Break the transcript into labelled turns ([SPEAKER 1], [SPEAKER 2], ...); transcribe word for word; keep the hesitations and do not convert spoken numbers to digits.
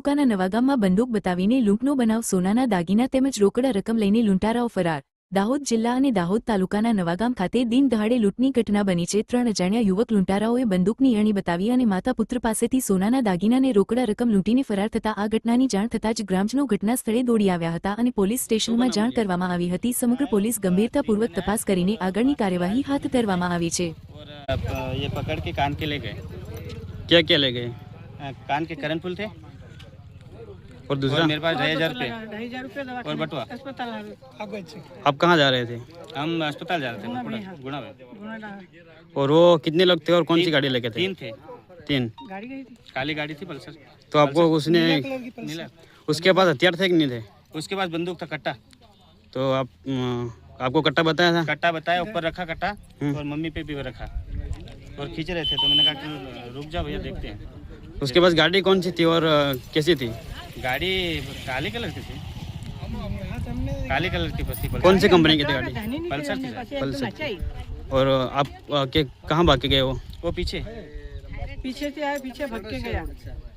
[SPEAKER 1] તાલુકાના નવાગામમાં બંદૂક બતાવીને લૂંટનો બનાવ, સોનાના દાગીના તેમજ રોકડા રકમ લઈને લૂંટારાઓ ફરાર। દાહોદ જિલ્લા અને દાહોદ તાલુકાના નવાગામ ખાતે દિન દહાડે લૂંટની ઘટના બની છે। ત્રણ અજાણ્યા યુવક લૂંટારાઓએ બંદૂકની અણી બતાવી અને માતા પુત્ર પાસેથી સોનાના દાગીનાને રોકડા રકમ લૂંટીને ફરાર થતા આ ઘટનાની જાણ થતાં જ ગ્રામજનો ઘટના સ્થળે દોડી આવ્યા હતા અને પોલીસ સ્ટેશનમાં જાણ કરવામાં આવી હતી। સમગ્ર પોલીસ ગંભીરતાપૂર્વક તપાસ કરીને આગળની કાર્યવાહી હાથ ધરવામાં આવી છે।
[SPEAKER 2] ये पकड़ के कान के ले गए।
[SPEAKER 3] क्या क्या ले गए?
[SPEAKER 2] कान के करनफुल थे
[SPEAKER 3] और दूसरा
[SPEAKER 2] और मेरे पास ढाई हजार रुपये और बटुआ।
[SPEAKER 3] आप कहाँ जा रहे थे?
[SPEAKER 2] हम अस्पताल जा रहे थे गुणा में।
[SPEAKER 3] और वो कितने लोग थे और कौन सी गाड़ी लेके थे?
[SPEAKER 2] तीन थे।
[SPEAKER 3] तीन
[SPEAKER 2] गाड़ी गई थी, काली गाड़ी थी पल्सर।
[SPEAKER 3] तो आपको उसने
[SPEAKER 2] नीला।
[SPEAKER 3] उसके पास हथियार थे कि नहीं थे?
[SPEAKER 2] उसके पास बंदूक था, कट्टा।
[SPEAKER 3] तो आप अम, आपको कट्टा बताया था?
[SPEAKER 2] कट्टा बताया, ऊपर रखा कट्टा और मम्मी पे भी रखा और खींच रहे थे। तो मैंने कहा कि रुक जाओ भैया, देखते हैं।
[SPEAKER 3] उसके पास गाड़ी कौन सी थी और अ, कैसी थी?
[SPEAKER 2] गाड़ी काले कलर की थी, काले कलर की बस थी।
[SPEAKER 3] कौन सी कंपनी की थी गाड़ी?
[SPEAKER 2] पल्सर थी शायद।
[SPEAKER 3] पल्सर। और आप अ, के कहाँ भाग के गए वो?
[SPEAKER 2] वो पीछे
[SPEAKER 4] पीछे से आया, पीछे भाग के गया।